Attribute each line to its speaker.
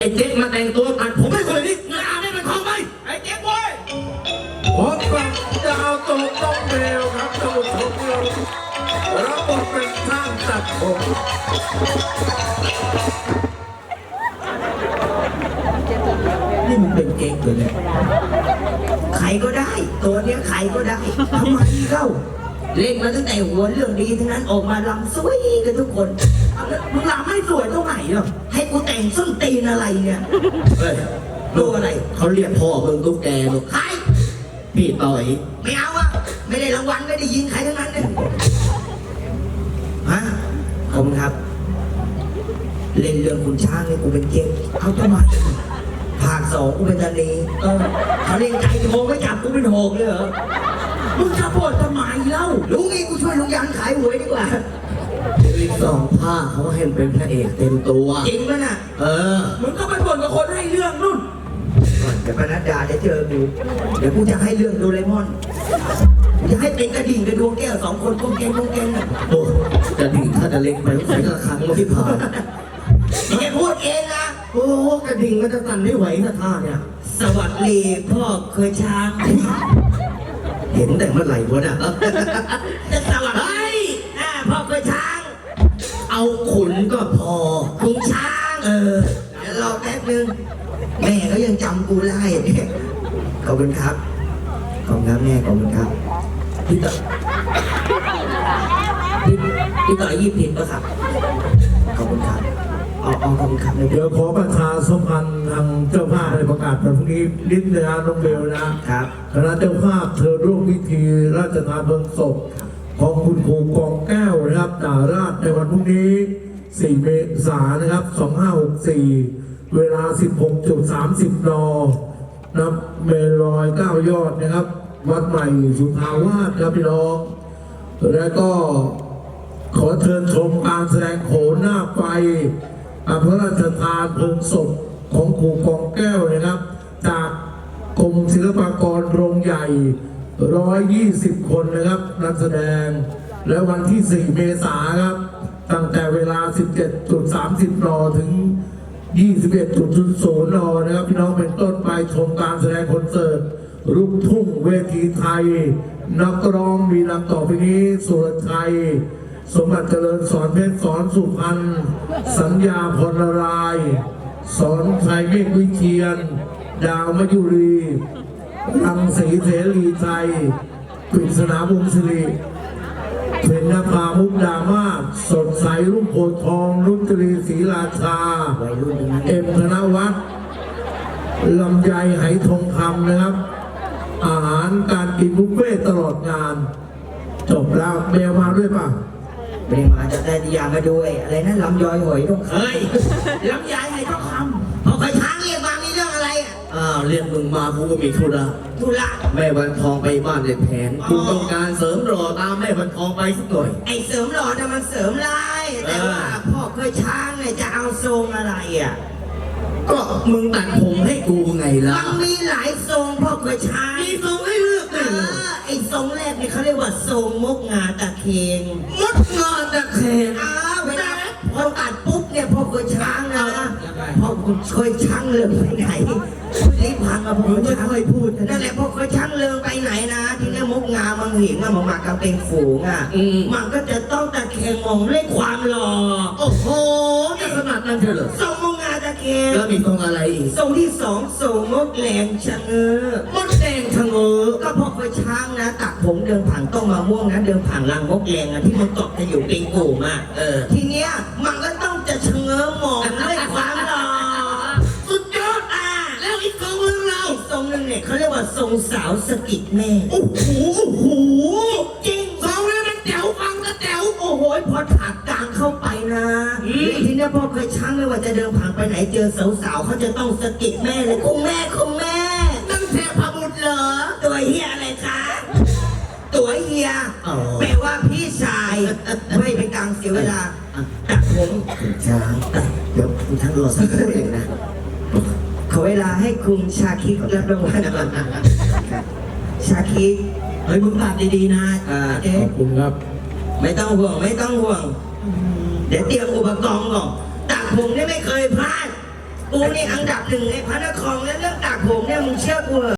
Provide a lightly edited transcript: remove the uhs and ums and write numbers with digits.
Speaker 1: ไอ้เจ๊กมาแต่งตัวตัดผมให้คนนี้งานไม่เป็นของไปไอ้เจ๊กเว้ยผมฟังจะเอาตัวต้องเบลครับตัวผมเบลรับบทเป็นช่างตัดผมนี่มันเป็นเก๊กเลยเนี่ยใครก็ได้ตัวเนี้ยใครก็ได้ทำไมเล่าเล่นมาตั้งแต่หัวเรื่องดีทั้งนั้นออกมาลำสวยกันทุกคนมึงลำไม่สวยตรงไหนหรอให้กูแต่งส้นตีนอะไรเนี่ยเฮ้ยดูอะไรเขาเรียกพ่อมึงตุ๊กแกลูกใครพี่ต่อยไม่เอาอะไม่ได้รางวัลไม่ได้ยินใครทั้งนั้นเลยฮะขอบคุณครับเล่นเรื่องคุณช้างเนี่ยกูเป็นเก่งเขาทำไมภาคสองกูเป็นตานีเขาเล่นใจโทงไม่จับกูเป็นโหกเลยเหรอมึงจะปวดทำไมเล่าลุงนี่กูช่วยลุงยันขายหวยดีกว่าอีกสองภาคเขาให้เป็นพระเอกเต็มตัวจริงมั้ยน่ะมึงก็ไปบ่นกับคนให้เรื่องนู่นเดี๋ยวปนัดดาจะเจอกูเดี๋ยวกูจะให้เรื่องโดเรมอนกูจะให้เป็นกระดิ่งกับดวงแก้วสองคนก้มแกงน่ะโอ้กระดิ่งถ้าจะเล็กไปต้องใส่กระคังมาที่ผ่านนี่แกพูดเองนะโอ้กระดิ่งมันจะสั่นไม่ไหวนะท่าเนี่ยสวัสดีพ่อเคยช้างเห็นแต่เมื่อไหร่วะเนี่ยจะสวัสดีพ่อเคยช้างเอาขุนก็พอขุนช้างเดี๋ยวรอแป๊บนึงแม่เขายังจำกูได้เนี่ยขอบคุณครับขอบคุณครับแม่ขอบคุณครับพี่ต่อยี่ผิดปะครับขอบคุณครับขอบคุณครับ
Speaker 2: เดี๋ยวขอประชาสัมพันธ์ทางเจ้าภาพในประกาศวันพรุ่งนี้นิดนะน้องเบลนะครับคณะเจ้าภาพเธอร่วมพิธีราชทานเพลิงศพของคุณครูกองแก้วนะครับดาราชในวันพรุ่งนี้4 เมษายนนะครับ2564เวลา 16:30 น.นับเมลอย9 ยอดนะครับวัดใหม่สุทาวาสครับพี่น้องและก็ขอเชิญชมการแสดงโขนหน้าไฟพระราชทานเพลิงศพของครูกองแก้วนะครับจากกรมศิลปากรโรงใหญ่120 คนนะครับนักแสดงและวันที่ 4 เมษายนครับตั้งแต่เวลา 17:30 น.ถึง 21:00 น.นะครับพี่น้องเป็นต้นไปชมการแสดงคอนเสิร์ตลูกทุ่งเวทีไทยนักร้องมีดังต่อไปนี้สุรชัยสมบัติเจริญสอนเพชรสอนสุพรรณสัญญาพรรายสอนชัยเมฆวิเชียนดาวมยุรีรังสีเสรีไทยปริศนาวงศ์ศิริเพญนภามุกดามาศสดใสรุ่งโพธิ์ทองรุ่งตรีศรีราชาเอ็มธนวัฒน์ลำไยไหทองคำนะครับอาหารการกินบุฟเฟ่ตลอดงานจบแล้วเบลมาด้วยป่ะ
Speaker 1: ไม่ได้มาจะได้ยามาด้วยอะไรนั่นลำยอยหอยต้องเคยลำยายไหต้องคำพอไปช้างเรียกมามีเรื่องอะไร
Speaker 3: เรียกมึงมากูก็มีธุระแม่วันทองไปบ้านเด็กแผนกูต้องการเสริมหล่อตามแม่วันทองไปสักหน่อย
Speaker 1: ไอ้เสริมหล่อน่ะมันเสริมลายแต่ว่าพ่อเคยช้างเนี่ยจะเอาทรงอะไร
Speaker 3: ก็มึงตัดผมให้กูไงล่ะ
Speaker 1: มันมีหลายทรงพ่อเคยช้าง
Speaker 3: มีทรงให้เลือกเลย
Speaker 1: ไอ้ทรงแรกนี่เขาเรียกว่าทรงมกงาตะเคง
Speaker 3: มดงาตะเคง
Speaker 1: เวลาพอตัดปุ๊บเนี่ยพ่อเคยช้างนะพ่อเคยช้างเรื่องไปไหนรีบพังกับพ่อไม่เคยพูดนั่นแหละพ่อเคยช้างเรื่องไปไหนนะที่นี่มกงามันเห็นมันมากับเป็นฝูงมันก็จะต้องตะเคงมองด้วยความหล่อ
Speaker 3: โอ้โหจะขนาดนั้นเหรอ
Speaker 1: ทรงมกงาตะเคง
Speaker 3: แล้วมีทรงอะไรอีก
Speaker 1: ทรงที่สองทรงมดแดงชะเง้อ
Speaker 3: มดแดงชะเง้อ
Speaker 1: ก็พ่อเคยช้างนะตักผมเดินผ่านต้องมาม่วงนะเดินผ่านรังมกแดงที่มันเกาะกันอยู่เป็นกลุ่มทีเนี้ยมันก็ต้องจะชะเง้อมองด้วยความหล่อ
Speaker 3: สุดยอดแล้วอีกทรงนึงเรา
Speaker 1: ทรงนึงเนี่ยเขาเรียกว่าทรงสาวสกิดแม่
Speaker 3: โอ้โห
Speaker 1: จริง
Speaker 3: ทรงนี้มันแจ๋วฟังก็แจ๋ว
Speaker 1: โอ้โหพอถากกลางเข้าไปนะทีนี้พ่อเคยช้างไม่ว่าจะเดินผ่านไปไหนเจอสาวๆเขาจะต้องสกิดแม่เลยคุณแม่
Speaker 3: นั่นเทพบุตรเหรอ
Speaker 1: ตัวเฮียอะไรคะตัวเฮียแปลว่าพี่ชายไม่เป็นกลางเสียเวลาตัดผม
Speaker 3: ช้างเดี๋ยวคุณท่านรอสักครู่เองนะ
Speaker 1: ขอเวลาให้คุณชาคิดรับรางวัลก่อนชาคิด
Speaker 3: เฮ้ยมึงตัดดีๆนะ
Speaker 2: ขอบคุณครับ
Speaker 1: ไม่ต้องห่วงเดี๋ยวเตรียมอุปกรณ์ก่อนตัดผมนี่ไม่เคยพลาดกูนี่อันดับหนึ่งในพระนครแล้วเรื่องตักผมเนี่ยมึงเชื่อกูเหรอ